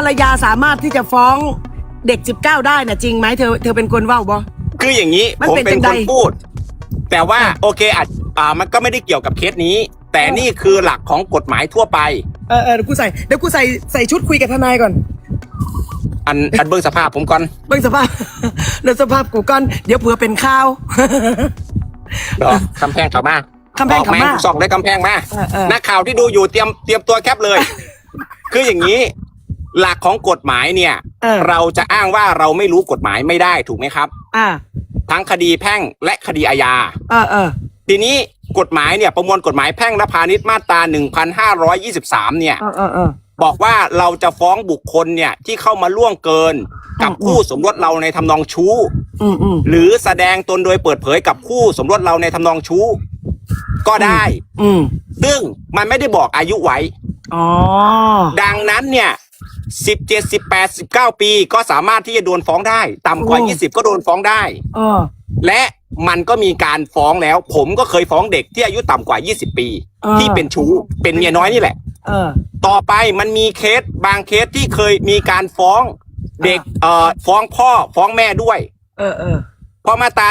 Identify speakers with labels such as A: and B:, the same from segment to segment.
A: รรยาสามารถที่จะฟ้องเด็ก19ได้นะจริงไหมเธอเป็นคนว่าบ่
B: คืออย่างนี้ผมเป็นคนพูดแต่ว่าโอเคมันก็ไม่ได้เกี่ยวกับเคสนี้แต่นี่คือหลักของกฎหมายทั่วไป
A: เดี๋ยวกูใส่ชุดคุยกับทนายก่อน
B: อันเบิ้งสภาพผมก่อน
A: เบิ้งสภาพเดี๋ยวสภาพกูก่อนเดี๋ยวเผื่อเป็นข้าว
B: คำแพงเขามา
A: คำแพงเขามา
B: ส่องได้คำแพงมานักข่าวที่ดูอยู่เตรียมตัวแคปเลยคืออย่างนี้หลักของกฎหมายเนี่ยเราจะอ้างว่าเราไม่รู้กฎหมายไม่ได้ถูกไหมครับทั้งคดีแพ่งและคดีอาญาทีนี้กฎหมายเนี่ยประมวลกฎหมายแพ่งและพาณิชย์มาตรา1523เนี่ยบอกว่าเราจะฟ้องบุคคลเนี่ยที่เข้ามาล่วงเกินกับคู่สมรสเราในทำนองชู้หรือแสดงตนโดยเปิดเผยกับคู่สมรสเราในทำนองชู้ก็ได้ซึ่งมันไม่ได้บอกอายุไว้ดังนั้นเนี่ย17 18 19ปีก็สามารถที่จะโดนฟ้องได้ต่ำกว่า20ก็โดนฟ้องได้และมันก็มีการฟ้องแล้วผมก็เคยฟ้องเด็กที่อายุต่ำกว่า20ปีที่เป็นชู้เป็นเมียน้อยนี่แหละต่อไปมันมีเคสบางเคสที่เคยมีการฟ้องเด็กฟ้องพ่อฟ้องแม่ด้วยเพราะมาตรา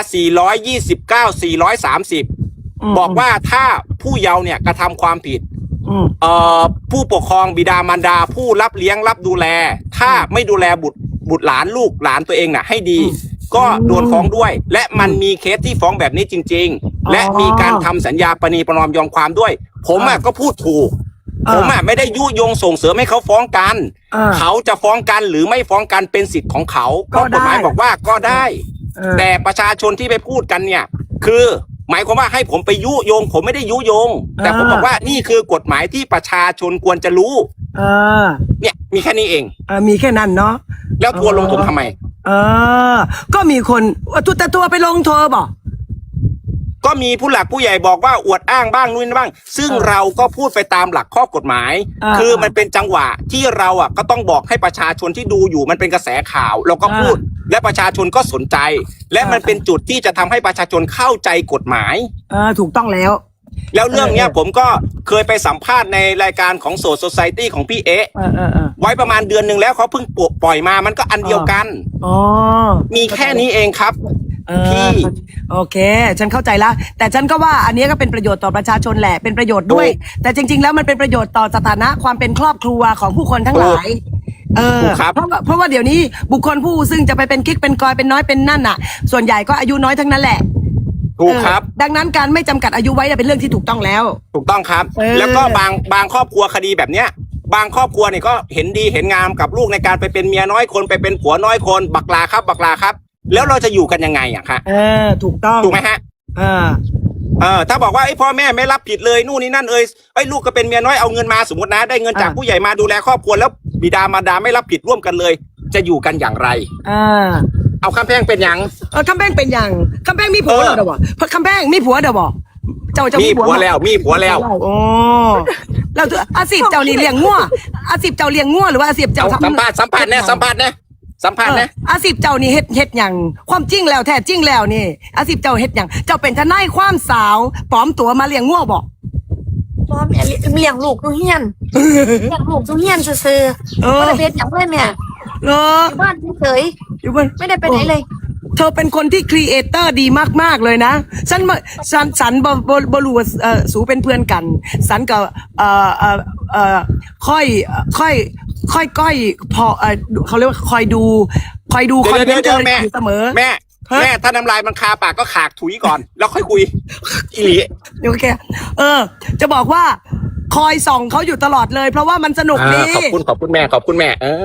B: 429 430บอกว่าถ้าผู้เยาว์เนี่ยกระทำความผิดผู้ปกครองบิดามารดาผู้รับเลี้ยงรับดูแลถ้าไม่ดูแลบุตรหลานลูกหลานตัวเองน่ะให้ดีก็โดนฟ้องด้วยและมันมีเคสที่ฟ้องแบบนี้จริงๆและมีการทำสัญญาประนีประนอมยอมความด้วยผมก็พูดถูกผมไม่ได้ยุยงส่งเสริมให้เขาฟ้องกันเขาจะฟ้องกันหรือไม่ฟ้องกันเป็นสิทธิ์ของเขาก็กฎหมายบอกว่าก็ได้แต่ประชาชนที่ไปพูดกันเนี่ยคือหมายความว่าให้ผมไปยุยงผมไม่ได้ยุยงแต่ผมบอกว่านี่คือกฎหมายที่ประชาชนควรจะรู้เนี่ยมีแค่นี้เอง
A: มีแค่นั้นเนาะ
B: แล้วทัวร์ลงผมทำไม
A: ก็มีคนแต่ตัวไปลงทัวร์บอก
B: ก็มีผู้หลักผู้ใหญ่บอกว่าอวดอ้างบ้างนู่นบ้างซึ่งเราก็พูดไปตามหลักข้อกฎหมายคือมันเป็นจังหวะที่เราก็ต้องบอกให้ประชาชนที่ดูอยู่มันเป็นกระแสข่าวเราก็พูดและประชาชนก็สนใจและมันเป็นจุดที่จะทำให้ประชาชนเข้าใจกฎหมาย
A: ถูกต้องแล้ว
B: เรื่องเนี้ยผมก็เคยไปสัมภาษณ์ในรายการของโซโซไซตี้ของพี่ไว้ประมาณเดือนหนึ่งแล้วเขาเพิ่งปล่อยมามันก็อันเดียวกันมีแค่นี้เองครับพี่
A: โอเคฉันเข้าใจแล้วแต่ฉันก็ว่าอันนี้ก็เป็นประโยชน์ต่อประชาชนแหละเป็นประโยชน์ด้วยแต่จริงๆแล้วมันเป็นประโยชน์ต่อสถานะความเป็นครอบครัวของผู้คนทั้งหลายเพราะว่าเดี๋ยวนี้บุคคลผู้ซึ่งจะไปเป็นกิ๊กเป็นกอยเป็นน้อยเป็นนั่นน่ะส่วนใหญ่ก็อายุน้อยทั้งนั้นแหละ
B: ถูกครับ
A: ดังนั้นการไม่จำกัดอายุไว้เป็นเรื่องที่ถูกต้องแล้ว
B: ถูกต้องครับแล้วก็บางครอบครัวคดีแบบเนี้ยบางครอบครัวเนี่ยก็เห็นดีเห็นงามกับลูกในการไปเป็นเมียน้อยคนไปเป็นผัวน้อยคนบักลาครับแล้วเราจะอยู่กันยังไงคะ
A: ถูกต้อง
B: ถูกไหมฮะถ้าบอกว่าไอ้พ่อแม่ไม่รับผิดเลยนู่นนี่นั่นไอ้ลูกก็เป็นเมียน้อยเอาเงินมาสมมตินะได้เงินจากผู้ใหญ่มาดูแลครอบครัวแล้วบิดามารดาไม่รับผิดร่วมกันเลยจะอยู่กันอย่างไรเอาคำแพงเป็นอย่าง
A: คำแพงเป็นอย่างคำแพงมีผัวเดี๋ยวบอกคำแพงมีผัวเดี๋ยวบอกเจ้า
B: มีผัวแล้ว
A: โอ้เราอาชีพเจ้านี่เลี้ยงงัวอาชีพเจ้าเลี้ยงงัวหรือว่าอาชีพเจ้า
B: สัมภาษณ์นะ
A: อาชีพเจ้านี่เฮ็ดอย่างความจริงแล้วแท้จริงแล้วนี่อาชีพเจ้าเฮ็ดอย่างเจ้าเป็นทนายความสาวปลอมตัวมาเลี้ยงงัวบอก
C: ปลอมเลี้ยงลูกทุเฮียนเลี้ยงลูกทุเฮียนซื่อไม่ได้เป็นอย่างเพื่อนเนี่ยอยู่บ้านเฉยไม่ได้ไปไหนเลย
A: เธอเป็นคนที่ครีเอเตอร์ดีมากๆเลยนะฉันบรู้สูเป็นเพื่อนกันฉันกับค่อยพอเขาเรียกว่าคอยดูคอนเทนต์เธอเสมอ
B: แม่ถ้าน้ำลายมันคาปากก็ขากถุยก่อนแล้วค่อยคุยอีหลี
A: โอเคจะบอกว่าคอยส่องเขาอยู่ตลอดเลยเพราะว่ามันสนุกดี
B: ขอบคุณแม่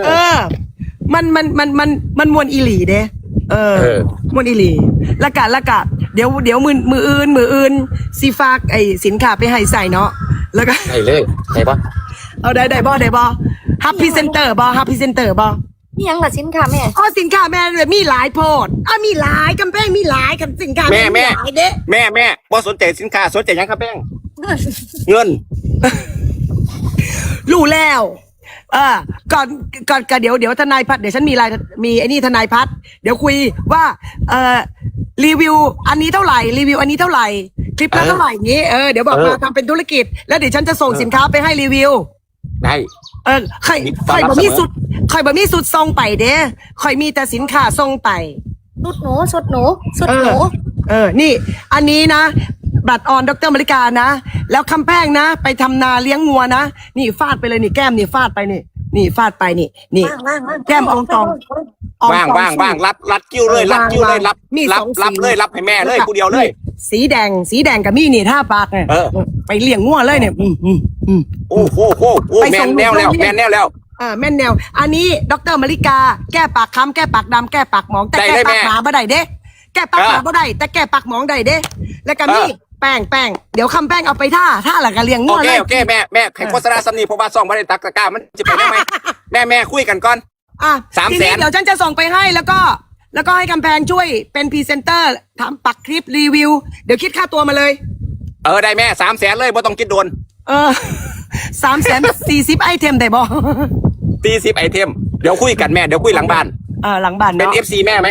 A: มันมวนอีหลีเด้มวนอีหลีละกะเดี๋ยวมืออื่นซีฝากไอ้สินค้าไปให้ใส่เนาะแล้วก็
B: ได้ปะ
A: เอาได้บ่ฮับพรีเซนเตอร์บ่
C: นี่ยังล่ะสินค้าแม่
A: สินค้าแม่เลยมีหลายโพดมีหลายกำแพงมีหลายกับสินค้า
B: แม่บ่สนใจสินค้าสนใจยังครับแป้งเงิน
A: รู้แล้วก่อนเดี๋ยวทนายพัฒน์เดี๋ยวฉันมีไอ้นี่ทนายพัฒน์เดี๋ยวคุยว่ารีวิวอันนี้เท่าไหร่รีวิวอันนี้เท่าไหร่คลิปละเท่าไหร่นี้เดี๋ยวบอกมาทำเป็นธุรกิจแล้วเดี๋ยวฉันจะส่งสินค้าไปให้รีวิว
B: ได้
A: ข่อยบ่มีสุดข่อยบ่มีสุดทรงไปเด้ข่อยมีแต่สินค้าทรงไป
C: สุดหนู
A: นี่ อันนี้นะ บัตรออนดร.มริกานะ แล้วคำแป้งนะ ไปทำนาเลี้ยงงัวนะ นี่ฟาดไปเลยนี่แก้มนี่ฟาดไปนี่ฟาดไปนี่แก้มอองตอง
B: ว่างรัดกิ้วเลยรับรับให้แม่เลยผู้เดียวเลย
A: สีแดงกับมี่นี่ท่าปากเนี่ยไปเลี้ยงงัวเลยเนี่ย
B: โอ้โหแม่นแนวแล้วแม่นแนว
A: อันนี้ดร.มริกาแก้ปากค้ำแก้ปากดำแก้ปากหมองแต่แก้ปากหมาบ่ได้เด้แก้ปากหมาบ่ได้แต่แก้ปากหมองได้เด้แล้วก็นี่แป้งเดี๋ยวคำแป้งเอาไปท่าหลักกะเลี้ยงงัวเลย
B: โอเคแม่ให้โฆษณาสำนีเพราะว่าซองบ่ได้ตักตะกร้ามันจะไปได้ไหมแม่คุยกันก่อน300,000
A: เดี๋ยวฉันจะส่งไปให้แล้วก็ให้กำแพงช่วยเป็นพรีเซนเตอร์ทำปักคลิปรีวิวเดี๋ยวคิดค่าตัวมาเลย
B: ได้แม่300,000เลยบ่ต้องคิดโดน
A: 340ไอเทมได้บ่
B: 40ไอเทมเดี๋ยวคุยกันแม่เดี๋ยวคุยหลังบ้าน
A: หลังบ้าน
B: เป็น FC แม่ไหม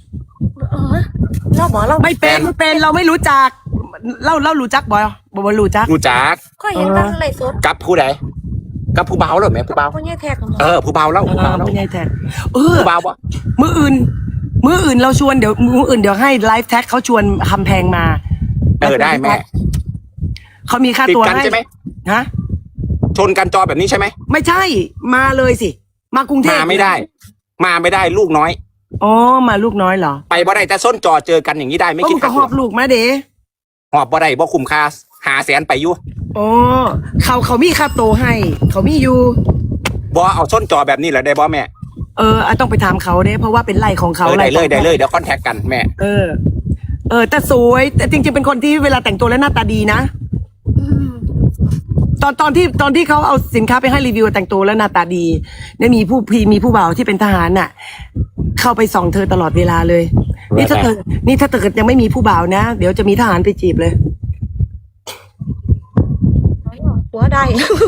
A: เราไม่เป็นเราไม่รู้จักเรารู้จักบ่รู้จัก
C: ก็เห็นตั้งอะไรสด
B: กับผู้ใดกับผู้เบาเหรอแม่ผู้เบา
C: ผู้ใหญ่แท็ก
B: ผู้เบาแล้วผู้
A: ใหญ่แท็ก
B: ผู้เบาวะ
A: มื้ออื่นเราชวนเดี๋ยวมื้ออื่นเดี๋ยวให้ไลฟ์แท็กเขาชวนคำแพงมา
B: ได้แม่
A: เขามีค่าตัวให้
B: ใช่ไหม
A: ฮะ
B: ชนกันจอแบบนี้ใช่ไหม
A: ไม่ใช่มาเลยสิมากรุงเทพ
B: มาไม่ได้ลูกน้อย
A: มาลูกน้อยเหรอ
B: ไปบ่ได้แต่ส้นจอเจอกันอย่างนี้ได้ไม่คิด
A: ค่าหอบลูกมาเด้
B: หอบบ่ได้บ่คุ้มค่า500,000ไปอยู่
A: เขามีค่าโตให้เขามีอยู่
B: บ่เอาส้นจอแบบนี้แหละได้บ่แม่
A: ต้องไปถามเขาเด้เพราะว่าเป็นไร่ของเขา
B: ได้เลยเดี๋ยวคอนแทคกันแม่
A: แต่สวยแต่จริงๆเป็นคนที่เวลาแต่งตัวแล้วหน้าตาดีนะตอนที่เขาเอาสินค้าไปให้รีวิวแต่งตัวแล้วหน้าตาดีได้มีผู้บ่าวที่เป็นทหารน่ะเข้าไปส่องเธอตลอดเวลาเลยนี่ถ้าเกิดยังไม่มีผู้บ่าวนะเดี๋ยวจะมีทหารไปจีบเลย
C: หัวได้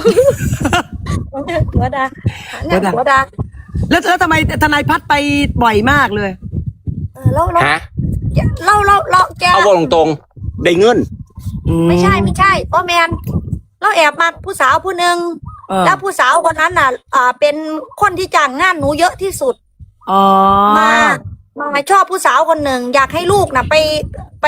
A: แล้วทำไมทนายพัดไปบ่อยมากเลย
C: เราแก
B: เอาตรงๆได้เงิน
C: ไม่ใช่พ่อแมนเราแอบมาผู้สาวผู้หนึ่งแล้วผู้สาวคนนั้นน่ะเป็นคนที่จ้างงานหนูเยอะที่สุดมาชอบผู้สาวคนหนึ่งอยากให้ลูกน่ะไป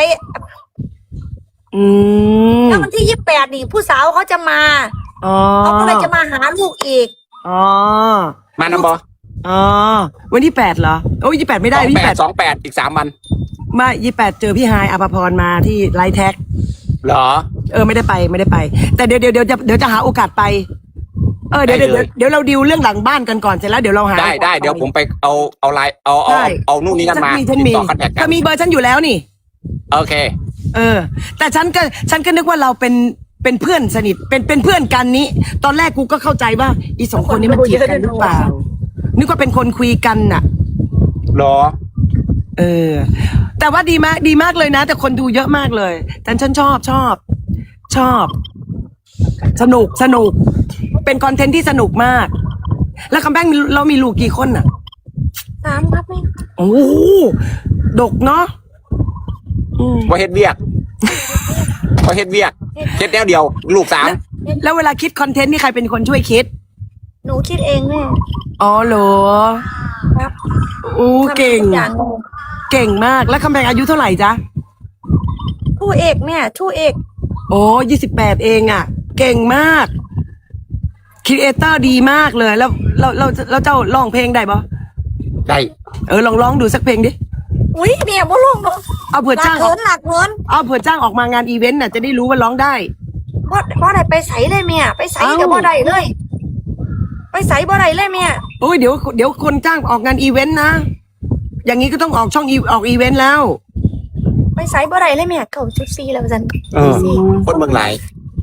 C: แล้ววันที่28นี่ผู้สาวเขาจะมาเขาก็เลยจะมาหาลูกอีก
B: มานำบอ
A: วันที่8เหรอ28ไม่ได้
B: 28อีก3 วัน
A: มา28เจอพี่ฮายอภพรมาที่ไลท์แท็ก
B: เหรอ
A: ไม่ได้ไปแต่เดี๋ยวจะหาโอกาสไปเดี๋ยวเราดิวเรื่องหลังบ้านกันก่อนเสร็จแล้วเดี๋ยวเราหา
B: ได้เดี๋ยวผมไปเอาไลน์เอานู่นนี่นั่นมา
A: ฉันมีก็มีเบอร์ฉันอยู่แล้วนี่
B: โอเค
A: แต่ฉันก็นึกว่าเราเป็นเพื่อนสนิทเป็นเพื่อนกันนี้ตอนแรกกูก็เข้าใจว่าอี2คนนี้มันจีบกันหรือเปล่านึกว่าเป็นคนคุยกันน่ะ
B: หรอ
A: แต่ว่าดีมากเลยนะแต่คนดูเยอะมากเลยแต่ฉันชอบสนุกเป็นคอนเทนต์ที่สนุกมากแล้วคำแป้งเรามีลูกกี่คนน่ะ
C: 3ครับแม่
A: ดกเนาะ
B: ว่าเฮ็ดเวียกเฮ็ดแนวเดียวลูก3
A: แล้วเวลาคิดคอนเทนต์นี่ใครเป็นคนช่วยคิด
C: หนูคิดเองแม่
A: เหรอ
C: ครับ
A: เก่งมากแล้วคำแพงอายุเท่าไหร่จ๊ะ
C: ทู่เอกแม่ทู่เอก
A: 28เองอ่ะเก่งมากครีเอเตอร์ดีมากเลยแล้วเจ้าร้องเพลงได้ปะ
B: ได้
A: ลองดูสักเพลงดิ
C: อุ้ยเนี่ยบ่ร้องเนาะ
A: เอาเผื่อจ้าง
C: หลักเงิน
A: เอาเผื่อจ้างออกมางานอีเวนต์น่ะจะได้รู้ว่าร้องได้
C: บ่ได้ไปใส่เลยเมียไปใส่กับบ่ได้เลยไปใส่บ่ได้เลยเมีย
A: เดี๋ยวคนจ้างออกงานอีเวนต์นะอย่างนี้ก็ต้องออกช่องออกอีเวนต์แล้ว
C: ไปใส่บ่ได้เลยเมีย94แล้วจัน
B: คนเมืองไหน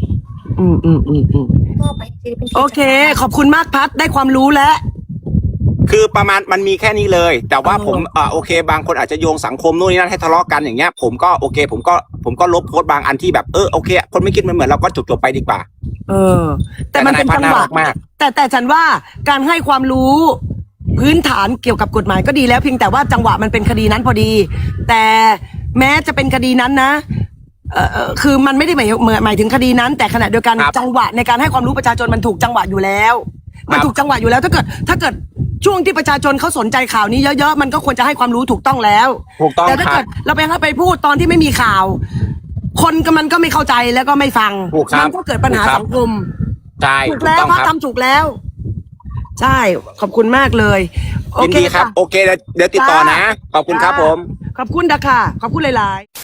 A: โอเคขอบคุณมากพัดได้ความรู้แล้ว
B: คือประมาณมันมีแค่นี้เลยแต่ว่าผมโอเคบางคนอาจจะโยงสังคมนู่นนี่นั่นให้ทะเลาะกันอย่างเงี้ยผมก็โอเคผมก็ลบโพสต์บางอันที่แบบโอเคคนไม่คิดเหมือนเราก็จบไปดีกว่า
A: แต่มันเป็นจังหวะแต่ฉันว่าการให้ความรู้พื้นฐานเกี่ยวกับกฎหมายก็ดีแล้วเพียงแต่ว่าจังหวะมันเป็นคดีนั้นพอดีแต่แม้จะเป็นคดีนั้นนะคือมันไม่ได้หมายถึงคดีนั้น แต่ขณะเดียวกันจังหวะในการให้ความรู้ประชาชนมันถูกจังหวะอยู่แล้วมันถูกจังหวะอยู่แล้วถ้าเกิดช่วงที่ประชาชนเขาสนใจข่าวนี้เยอะๆมันก็ควรจะให้ความรู้ถูกต้องแล้ว
B: ถูกต้อง
A: แต่ถ้าเกิดเราไปพูดตอนที่ไม่มีข่าว คนมันก็ไม่เข้าใจแล้วก็ไม่ฟังมันก็เกิดปัญหาสังคม
B: ใช่
A: ถูกแล้วพระทำถูกแล้วใช่ขอบคุณมากเลย
B: ยินดีครับโอเคเดี๋ยวติดต่อนะขอบคุณครับผม
A: ขอบคุณค่ะขอบคุณหลายๆ